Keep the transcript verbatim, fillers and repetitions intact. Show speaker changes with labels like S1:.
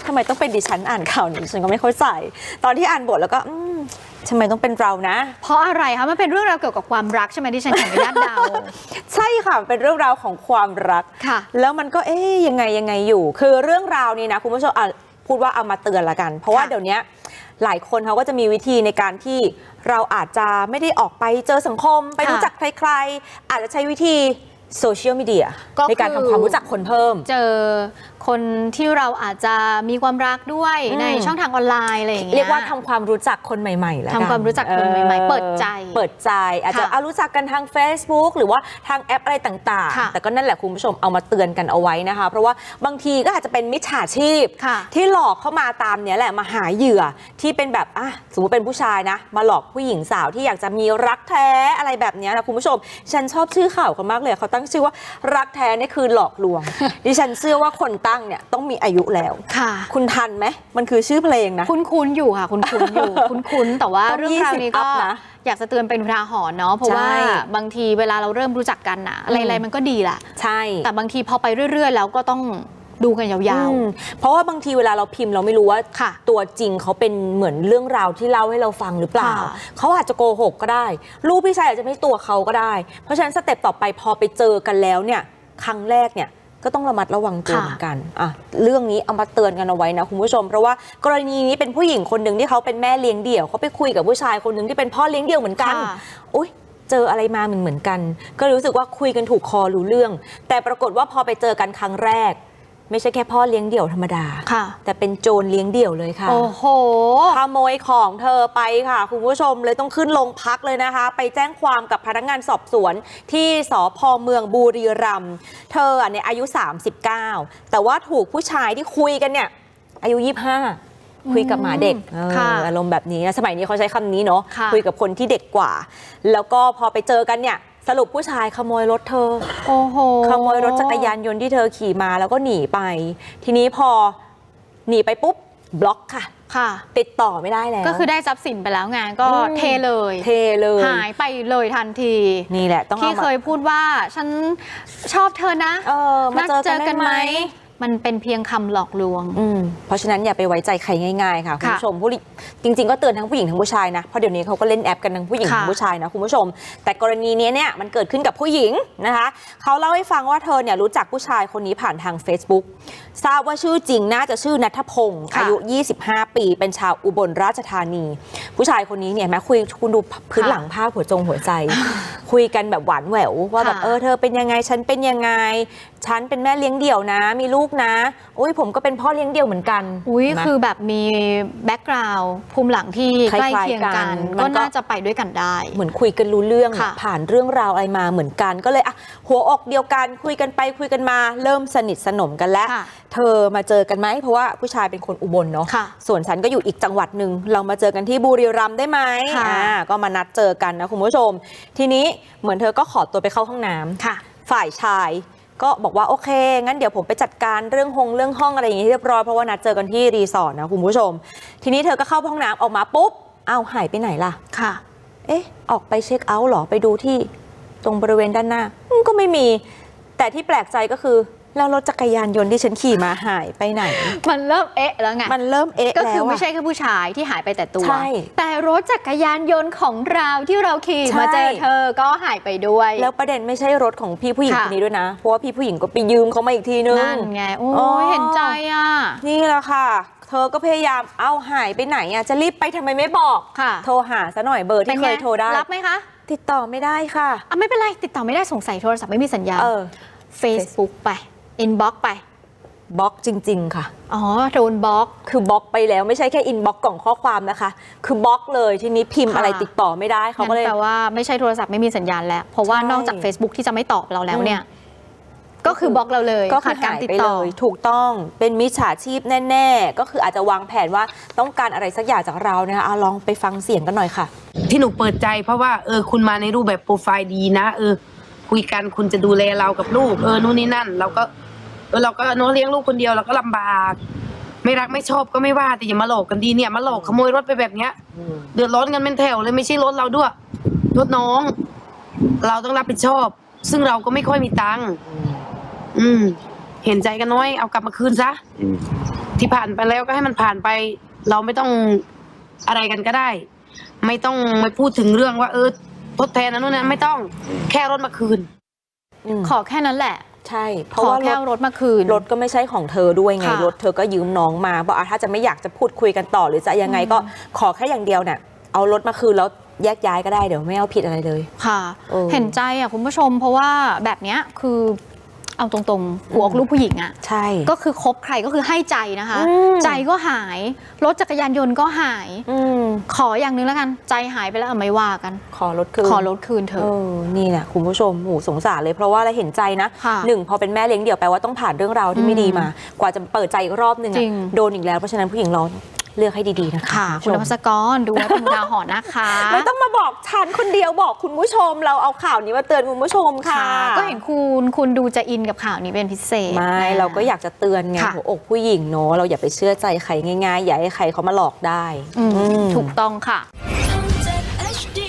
S1: ทำไมต้องเป็นดิฉันอ่านข่าวนี้ฉันก็ไม่เข้าใจตอนที่อ่านบทแล้วก็ทำไมต้องเป็นเรานะ
S2: เพราะอะไรคะมันเป็นเรื่องราวเกี่ยวกับความรักใช่ไหมที่ฉันขออนุญาตเดา
S1: ใช่ค่ะเป็นเรื่องราวของความรัก
S2: ค่ะ
S1: แล้วมันก็เอ๊ยยังไงยังไงอยู่คือเรื่องราวนี้นะคุณผู้ชมอ่ะพูดว่าเอามาเตือนละกันเพราะว่าเดี๋ยวนี้หลายคนเขาก็จะมีวิธีในการที่เราอาจจะไม่ได้ออกไปเจอสังคมไปรู้จักใครๆอาจจะใช้วิธีโซเชียลมีเดียในการทำความรู้จักคนเพิ่ม
S2: เจอคนที่เราอาจจะมีความรักด้วยในช่องทางออนไลน์อะไรอย่างเงี้ย
S1: เรียกว่าทำความรู้จักคนใหม่ๆแล้ว
S2: ทำความรู้จักคนใหม่ๆเปิดใจ
S1: เปิดใจอาจจะเอารู้จักกันทาง Facebook หรือว่าทางแอปอะไรต่างๆแต่ก็นั่นแหละคุณผู้ชมเอามาเตือนกันเอาไว้นะคะเพราะว่าบางทีก็อาจจะเป็นมิจฉาชีพที่หลอกเข้ามาตามเนี้ยแหละมาหาเหยื่อที่เป็นแบบอ่ะสมมติเป็นผู้ชายนะมาหลอกผู้หญิงสาวที่อยากจะมีรักแท้อะไรแบบนี้นะคุณผู้ชมฉันชอบชื่อข่าวกันมากเลยเขาตั้งชื่อว่ารักแท้นี่คือหลอกลวง ดิฉันเชื่อว่าคนตั้งเนี่ยต้องมีอายุแล้ว
S2: ค่ะ
S1: คุณทันไหมมันคือชื่อเพลงนะ
S2: คุ้นๆอยู่ค่ะคุ้นๆอยู่คุ้นๆแต่ว่าเรื่องราวนี้ก็อยากจะเตือนเป็นอุทาหรณ์เนาะเพราะว่าบางทีเวลาเราเริ่มรู้จักกันนะอะไรๆมันก็ดีแหละ
S1: ใช่
S2: แต่บางทีพอไปเรื่อยๆแล้วก็ต้องดูกันยาว
S1: ๆเพราะว่าบางทีเวลาเราพิมพ์เราไม่รู้ว่าตัวจริงเขาเป็นเหมือนเรื่องราวที่เล่าให้เราฟังหรือเปล่าเขาอาจจะโกหกก็ได้ลูกพี่ชายอาจจะไม่ตัวเขาก็ได้เพราะฉะนั้นสเต็ปต่อไปพอไปเจอกันแล้วเนี่ยครั้งแรกเนี่ยก็ต้องระมัดระวังตัวเหมือนกันอ่ะเรื่องนี้เอามาเตือนกันเอาไว้นะคุณผู้ชมเพราะว่ากรณีนี้เป็นผู้หญิงคนหนึ่งที่เขาเป็นแม่เลี้ยงเดี่ยวเขาไปคุยกับผู้ชายคนหนึ่งที่เป็นพ่อเลี้ยงเดี่ยวเหมือนกันอุ๊ยเจออะไรมาเหมือนเหมือนกันก็รู้สึกว่าคุยกันถูกคอรู้เรื่องแต่ปรากฏว่าพอไปเจอกันครั้งแรกไม่ใช่แค่พ่อเลี้ยงเดี่ยวธรรมดาแต่เป็นโจรเลี้ยงเดี่ยวเลยค่ะ
S2: โอ้โห
S1: ขโมยของเธอไปค่ะคุณผู้ชมเลยต้องขึ้นโรงพักเลยนะคะไปแจ้งความกับพนักงานสอบสวนที่สภ.เมืองบุรีรัมย์เธอเนี่ยอายุสามสิบเก้าแต่ว่าถูกผู้ชายที่คุยกันเนี่ยอายุยี่สิบห้าคุยกับหมาเด็กอารมณ์แบบนี้สมัยนี้เขาใช้คำนี้เนาะคุยกับคนที่เด็กกว่าแล้วก็พอไปเจอกันเนี่ยสรุปผู้ชายขโมยรถเธอ
S2: โอ้โห
S1: ขโมยรถจักรยานยนต์ที่เธอขี่มาแล้วก็หนีไปทีนี้พอหนีไปปุ๊บบล็อกค่ะ
S2: ค่ะ
S1: ติดต่อไม่ได้แล้ว
S2: ก็คือได้ทรัพย์สินไปแล้วไงก็เทเลย
S1: เทเลย
S2: หายไปเลยทันที
S1: นี่แหละต้อง
S2: ที่เคยพูดว่าฉันชอบเธอนะ
S1: เออมาเจอกันไหม
S2: มันเป็นเพียงคำหลอกลวง
S1: เพราะฉะนั้นอย่าไปไว้ใจใครง่ายๆค่ะคุณผู้ชมผู้จริงๆก็เตือนทั้งผู้หญิงทั้งผู้ชายนะเพราะเดี๋ยวนี้เขาก็เล่นแอปกันทั้งผู้หญิงทั้งผู้ชายนะคุณผู้ชมแต่กรณีนี้เนี่ยมันเกิดขึ้นกับผู้หญิงนะคะเขาเล่าให้ฟังว่าเธอเนี่ยรู้จักผู้ชายคนนี้ผ่านทาง Facebook ทราบว่าชื่อจริงน่าจะชื่อณัฐพงศ์อายุยี่สิบห้าปีเป็นชาวอุบลราชธานีผู้ชายคนนี้เนี่ยแม้คุยคุณดูพื้นหลังภาพหัวจงหัวใจคุยกันแบบหวานแหววว่าแบบเออเธอเป็นยังไงฉันเป็นยังไงฉันเป็นแม่เลี้ยงเดี่ยวนะมีลูกนะอุ้ยผมก็เป็นพ่อเลี้ยงเดี่ยวเหมือนกัน
S2: อุ้ยคือแบบมีแบ็กกราวด์ภูมิหลังที่ใกล้เคียงกันก็น่าจะไปด้วยกันได้
S1: เหมือนคุยกันรู้เรื่องผ่านเรื่องราวอะไรมาเหมือนกันก็เลยอ่ะหัวอกเดียวกันคุยกันไปคุยกันมาเริ่มสนิทสนมกันแล้วเธอมาเจอกันไหมเพราะว่าผู้ชายเป็นคนอุบลเนาะส่วนฉันก็อยู่อีกจังหวัดหนึ่งเรามาเจอกันที่บุรีรัมย์ได้ไหมอ่าก็มานัดเจอกันนะคุณผู้ชมทีนี้เหมือนเธอก็ขอตัวไปเข้าห้องน้ำฝ่ายชายก็บอกว่าโอเคงั้นเดี๋ยวผมไปจัดการเรื่องห้องเรื่องห้องอะไรอย่างนี้เรียบร้อยเพราะว่านัดเจอกันที่รีสอร์ทนะคุณผู้ชมทีนี้เธอก็เข้าห้องน้ำออกมาปุ๊บอ้าวหายไปไหนล่ะ
S2: ค่ะ
S1: เอ๊ะออกไปเช็คเอาท์หรอไปดูที่ตรงบริเวณด้านหน้าก็ไม่มีแต่ที่แปลกใจก็คือแล้วรถจักรยานยนต์ที่ฉันขี่มาหายไปไหน
S2: มันเริ่มเอ๊ะแล้วไง
S1: มันเริ่มเอ๊ะ
S2: ก็คือไม่ใช่แค่ผู้ชายที่หายไปแต่ตัว
S1: ใช่
S2: แต่รถจักรยานยนต์ของเราที่เราขี่มาเจอเธอก็หายไปด้วย
S1: แล้วประเด็นไม่ใช่รถของพี่ผู้หญิงคนนี้ด้วยนะเพราะว่าพี่ผู้หญิงก็ไปยืมเขามาอีกทีนึง
S2: นั่นไงโอ้ยเห็นใจอ่ะ
S1: นี่แหละค่ะเธอก็พยายามเอาหายไปไหนอ่ะจะรีบไปทำไมไม่บอกโทรหาซะหน่อยเบอร์ที่เคยโทรได้
S2: รับไหมคะ
S1: ติดต่อไม่ได้ค่ะ
S2: อ่ะไม่เป็นไรติดต่อไม่ได้สงสัยโทรศัพท์ไม่มีสัญญาณ Facebook ไปอินบ็อกซ์ไป
S1: บล็อกจริงๆค่ะ
S2: อ๋อโดนบล็อก
S1: คือบล็อกไปแล้วไม่ใช่แค่อินบ็อกกล่องข้อความนะคะคือบล็อกเลยทีนี้พิมพ์อะไรติดต่อไม่ได้เขาก็เลย
S2: แปลว่าไม่ใช่โทรศัพท์ไม่มีสัญญาณแล้วเพราะว่านอกจาก Facebook ที่จะไม่ตอบเราแล้วเนี่ยก็คือบล็อกเราเลย
S1: ก็ขาดการติดต่อถูกต้องเป็นมิจฉาชีพแน่ๆก็คืออาจจะวางแผนว่าต้องการอะไรสักอย่างจากเรานะคะลองไปฟังเสียงกันหน่อยค่ะ
S3: ที่หนูเปิดใจเพราะว่าเออคุณมาในรูปแบบโปรไฟล์ดีนะเออคุยกันคุณจะดูแลเรากับลูกเออนู่นนี่นั่นเราก็เออเราก็น้องเลี้ยงลูกคนเดียวเราก็ลำบากไม่รักไม่ชอบก็ไม่ว่าแต่อย่ามาหลอกกันดีเนี่ยมาหลอกขโมยรถไปแบบเนี้ยเดือดร้อนกันเป็นแถวเลยไม่ใช่รถเราด้วยรถน้องเราต้องรับผิดชอบซึ่งเราก็ไม่ค่อยมีตังค์อืมเห็นใจกันน้อยเอากลับมาคืนซะที่ผ่านไปแล้วก็ให้มันผ่านไป เราไม่ต้องอะไรกันก็ได้ ไม่ต้องไม่พูดถึงเรื่องว่าเออทดแทนนั้นนู่นนั้นไม่ต้องแค่รถมาคืน
S2: ขอแค่นั้นแหละ
S1: ใช่เพ
S2: ข
S1: ราะ
S2: อ
S1: ว่า
S2: แค่รถมาคืน
S1: รถก็ไม่ใช่ของเธอด้วยไง
S2: ค่ะ
S1: รถเธอก็ยืมน้องมาบอกอ่ะถ้าจะไม่อยากจะพูดคุยกันต่อหรือจะยังไงก็ขอแค่อย่างเดียวเนี่ยเอารถมาคืนแล้วแยกย้ายก็ได้เดี๋ยวไม่เอาผิดอะไรเลย
S2: ค่ะ
S1: เออ
S2: เห็นใจอ่ะคุณผู้ชม เพราะว่าแบบเนี้ยคือเอาตรงๆหัวอกลูกผู้หญิงอ่ะ
S1: ใช่
S2: ก็คือคบใครก็คือให้ใจนะคะ
S1: อืม
S2: ใจก็หาย รถจักรยานยนต์ก็หาย
S1: อืม
S2: ขออย่างหนึงแล้วกัน ใจหายไปแล้วเอาไม่ว่ากัน
S1: ขอรถคืน
S2: ขอรถคืนเถ
S1: เอ
S2: อะ
S1: อนี่แหละคุณผู้ชมหูสงสารเลยเพราะว่าเราเห็นใจนะ
S2: ค่ะ
S1: หนึ่งพอเป็นแม่เลี้ยงเดี่ยวแปลว่าต้องผ่านเรื่องราวที่ไม่ดีมา กว่าจะเปิดใจอีกรอบหนึ่ง
S2: จ
S1: อะ
S2: ริง
S1: โดนอีกแล้วเพราะฉะนั้นผู้หญิงเราเลือกให้ดีๆนะคะ
S2: ค่ะ
S1: ณ
S2: คุณ
S1: ผู้
S2: น
S1: ช
S2: ภั
S1: ม
S2: สกรดูไว้เป็นอุทาหรณ์นะคะ
S1: ไม่ต้องมาบอกฉันคนเดียวบอกคุณผู้ชม เราเอาข่าวนี้มาเตือนคุณผู้ชมค่ะ
S2: ก็เห็นคุณคุณดูจะอินกับข่าวนี้เป็นพิเศษ
S1: ไม่
S2: นะ
S1: เราก็อยากจะเตือนไง
S2: ค่ะ
S1: หัวอกผู้หญิงเนาะเราอย่าไปเชื่อใจใครง่ายๆอย่าให้ใครเขามาหลอกได้
S2: อืม
S1: อืม
S2: ถูกต้องค่ะ
S4: ทำจาก เอช ดี